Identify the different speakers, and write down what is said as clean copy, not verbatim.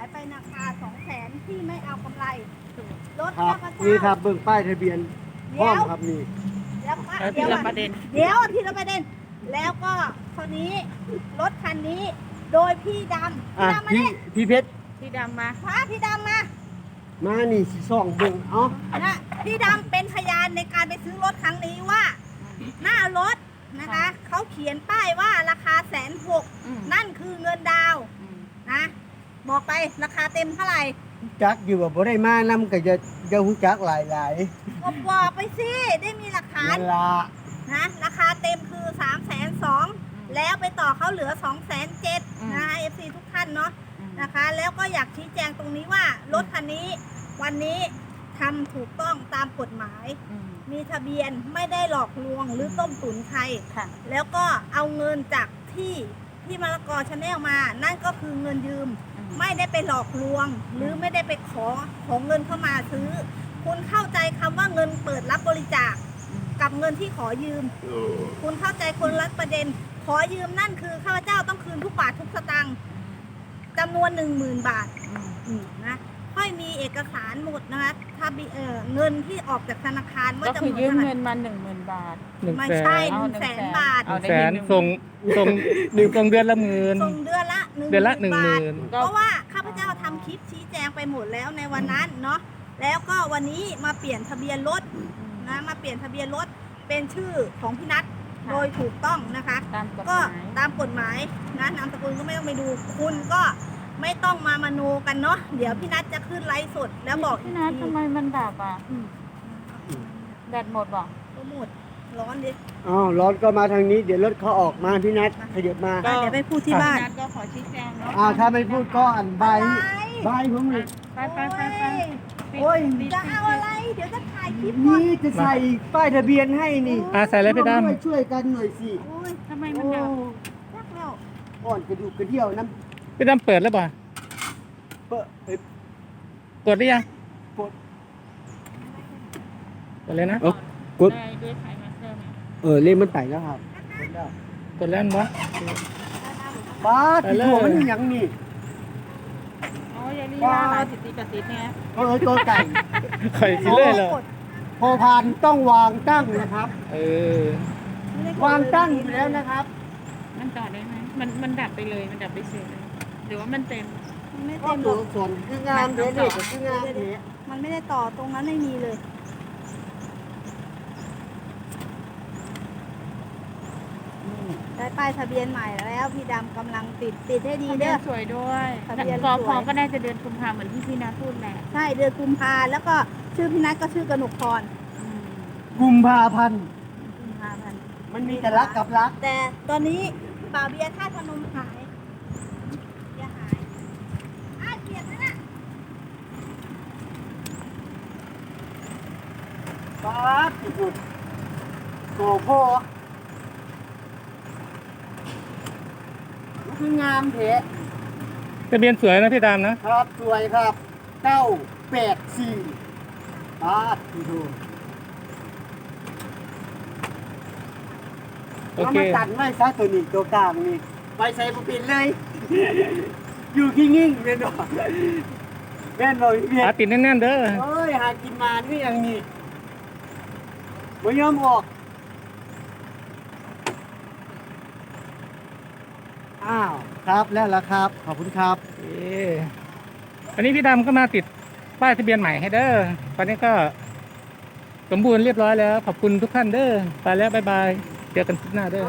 Speaker 1: ไปราคา200,000ที่ไม่เอากำไรรถ
Speaker 2: ครับ
Speaker 1: ข้าพเจ้า
Speaker 2: นี่ครับเบิ่งป้ายทะเบียนพร้อมครับนี่
Speaker 1: แล้วก็
Speaker 3: แล้วที
Speaker 1: เดี๋ยว
Speaker 3: ละ
Speaker 1: ก่อน
Speaker 3: ประเด็น
Speaker 1: เดี๋ยวทีละประเด็น แล้วก็คนนี้รถคันนี้ โดยพี่ดำ
Speaker 2: อ่ะ
Speaker 1: พี่ดำมา
Speaker 2: พี่
Speaker 1: เนี่ย
Speaker 2: พี่เพชร
Speaker 3: ที่ดำมา
Speaker 1: พาพี่ดำมา
Speaker 2: มานี่สิส่องเบิ่งเอ้า
Speaker 1: นะพี่ดำเป็นพยานในการไปซื้อรถครั้งนี้ว่า หน้ารถนะคะเขาเขียนป้ายว่าราคา160,000นั่นคือเงินดาวน์นะบอกไปราคาเต็มเท่าไหร่
Speaker 2: จักอยู่ว่าบ่ได้มานำก็จะฮู้จักหลาย
Speaker 1: ก็บอกไปสิได้มีหลัก
Speaker 2: ๆ
Speaker 1: ฐาน
Speaker 2: นั่นล่ะ
Speaker 1: นะราคาเต็มคือ320,000แล้วไปต่อเขาเหลือ270,000นะคะ FC ทุกท่านเนาะนะคะ แล้วก็อยากชี้แจงตรงนี้ว่ารถคันนี้วันนี้ทำถูกต้องตามกฎหมาย มีทะเบียนไม่ได้หลอกลวงหรือต้มตุ๋นใคร
Speaker 3: ค่ะ
Speaker 1: แล้วก็เอาเงินจากที่มะละกอชาแนลมา นั่นก็คือเงินยืม ไม่ได้ไปหลอกลวง หรือไม่ได้ไปขอเงินเข้ามาซื้อ คุณเข้าใจคำว่าเงินเปิดรับบริจาคกับเงินที่ขอยืม คุณเข้าใจคนละประเด็น ขอยืมนั่นคือข้าพเจ้าต้องคืนทุกบาททุกสตางค์จำนวน 10,000 บาทนะค่อยมีเอกสารหมดนะคะถ้าเงินที่ออกจากธนาคารว่า
Speaker 3: ก็
Speaker 1: จำ
Speaker 3: คื
Speaker 1: น
Speaker 3: อ
Speaker 1: วน
Speaker 3: ยืม
Speaker 1: เท่าไห
Speaker 3: เงิ
Speaker 1: ร่
Speaker 3: นมา10,000 บาท
Speaker 1: ไม่ใช่
Speaker 3: เอา
Speaker 1: 100,000 บาท
Speaker 3: เอาได้
Speaker 4: แสน
Speaker 3: 1,000
Speaker 4: ส่งเดือนละหมื่น
Speaker 1: ส่งเดือนละ
Speaker 4: เดือนละ
Speaker 1: 10,000 บาท
Speaker 4: 10,000
Speaker 1: เพราะว่าข้าพเจ้าทำคลิปชี้แจงไปหมดแล้วในวันนั้นเนาะแล้วก็วันนี้มาเปลี่ยนทะเบียนรถนะมาเปลี่ยนทะเบียนรถเป็นชื่อของพี่นัทโดยถูกต้องนะคะ
Speaker 3: ตามกฎห
Speaker 1: ก็
Speaker 3: มาย
Speaker 1: ตามกฎหมายนะนามสกุลก็ไม่ต้องไปดูคุณก็ไม่ต้องมามโนกันเนาะเดี๋ยวพี่นัทจะขึ้นไลฟ์สดแล้วบอก
Speaker 3: พี่นัททำไมมันดับอ่ะ
Speaker 1: อืม
Speaker 3: แบตหมดบอก
Speaker 1: ก็หมดร้อนดิ
Speaker 2: อ้าวรถก็มาทางนี้ เดี๋ยวรถเขาออกมาพี่นัทขยับมา
Speaker 1: เดี๋ยวไปพูดที่บ้าน
Speaker 3: พี่นัทก็ขอชี้แจงเนาะ
Speaker 2: อ้าวถ้าไม่พูดก็อันใบ
Speaker 1: อะไร
Speaker 2: ใบผมเลย
Speaker 3: ไปไปไปไป
Speaker 2: โอ้ย
Speaker 1: จะเอาอะไร เดี๋ยวจะถ่ายคลิปก่อน
Speaker 2: นี่จะใส่ป้ายทะเบียนให้นี่
Speaker 4: ใส่เลยพี่ด
Speaker 2: ช่วยกันหน่อยสิ
Speaker 1: โอ้ย
Speaker 3: ทำไม
Speaker 2: โอ้
Speaker 3: มันดับ
Speaker 1: รักแล้ว
Speaker 2: อ่อนกระดูกกระเดี่ยวน้
Speaker 4: ำพี่ดำเปิดแล้วป่ะ
Speaker 2: ำเปอะเอ้ย
Speaker 4: กดหรือยัง
Speaker 2: กด
Speaker 4: กดเลยนะ
Speaker 2: กด
Speaker 3: ได้ด้วยไขมันเพิ่มไหม
Speaker 2: เล่มมันไต่แล้วครับกดแล้ว
Speaker 4: กดแล้วมั้ย
Speaker 2: บ้า
Speaker 4: ไป
Speaker 2: ที่
Speaker 4: เลย
Speaker 2: หัวมันอยังนี่
Speaker 3: อ๋อยายลีลาหลายสิทธิกระติดเนี่ย
Speaker 2: ตัวไก่
Speaker 4: ไข่สิเลยเหรอ
Speaker 2: พอพานต้องวางตั้งนะครับ
Speaker 4: เออ
Speaker 2: วางตั้งอยู่แล้วนะครับ
Speaker 3: มันต่อได้ไหมมันดับไปเลย มันดับไปเฉยเลยหรือว่ามันเต็ม
Speaker 1: มันไม่
Speaker 2: ก็
Speaker 1: เต็มหร
Speaker 2: ตัว
Speaker 1: อก
Speaker 2: ส่วนคืองามเด็ดเลยคืองามเด็ด
Speaker 1: มันไม่ได้ต่อตรงนั้นไม่มีเลย ได้ป้ายทะเบียนใหม่แล้วพี่ดำกำลังติดให้ดี
Speaker 3: ทะเบี
Speaker 1: เด้
Speaker 3: ย
Speaker 1: อน
Speaker 3: สวยด้วย
Speaker 1: ทะเบียน
Speaker 3: ก
Speaker 1: ส
Speaker 3: พ
Speaker 1: วย
Speaker 3: ก็น่าจะเดือนกุมภาเหมือนที่พี่นาพูดแหละ
Speaker 1: ใช่เดือนกุมภาแล้วก็ชื่อพี่นัทก็ชื่อกนกพร
Speaker 2: กุมภาพันธ์
Speaker 1: กุมภาพันธ์
Speaker 2: มันมีแต่รักกับรัก
Speaker 1: แต่ตอนนี้บ่าวเบียร์ท่าตุพนมหายเบียร์หายเปลี่ยนแล้วนะ
Speaker 2: ป๊าบสุดโอ้โหคืองามเถอะ
Speaker 4: ทะเบียนสวยนะพี่ดำนะครับ
Speaker 2: สวยครับ984ป๊าบดู
Speaker 4: โอ
Speaker 2: แล้ว
Speaker 4: เค
Speaker 2: มาตัดไว้ซะตัวนี้ตัวกลางนี่ไปใส่บุปินเลย อยู่ขี้งิ่งแม่นบ่แม่นบ่พี่เบีย
Speaker 4: หา
Speaker 2: ร์
Speaker 4: ติดแน่นๆเด้อ
Speaker 2: เอ้ยหากินมานี่อย่างนี้บ่ยอมออกอ้าวครับแล้วล่ะครับ ขอบคุณครับ
Speaker 4: เออวันนี้พี่ดำก็มาติดป้ายทะเบียนใหม่ให้เด้อตอนนี้ก็สมบูรณ์เรียบร้อยแล้ว ขอบคุณทุกท่านเด้อ ไปแล้วบ๊ายบาย เจอกันคลิปหน้าเด้อ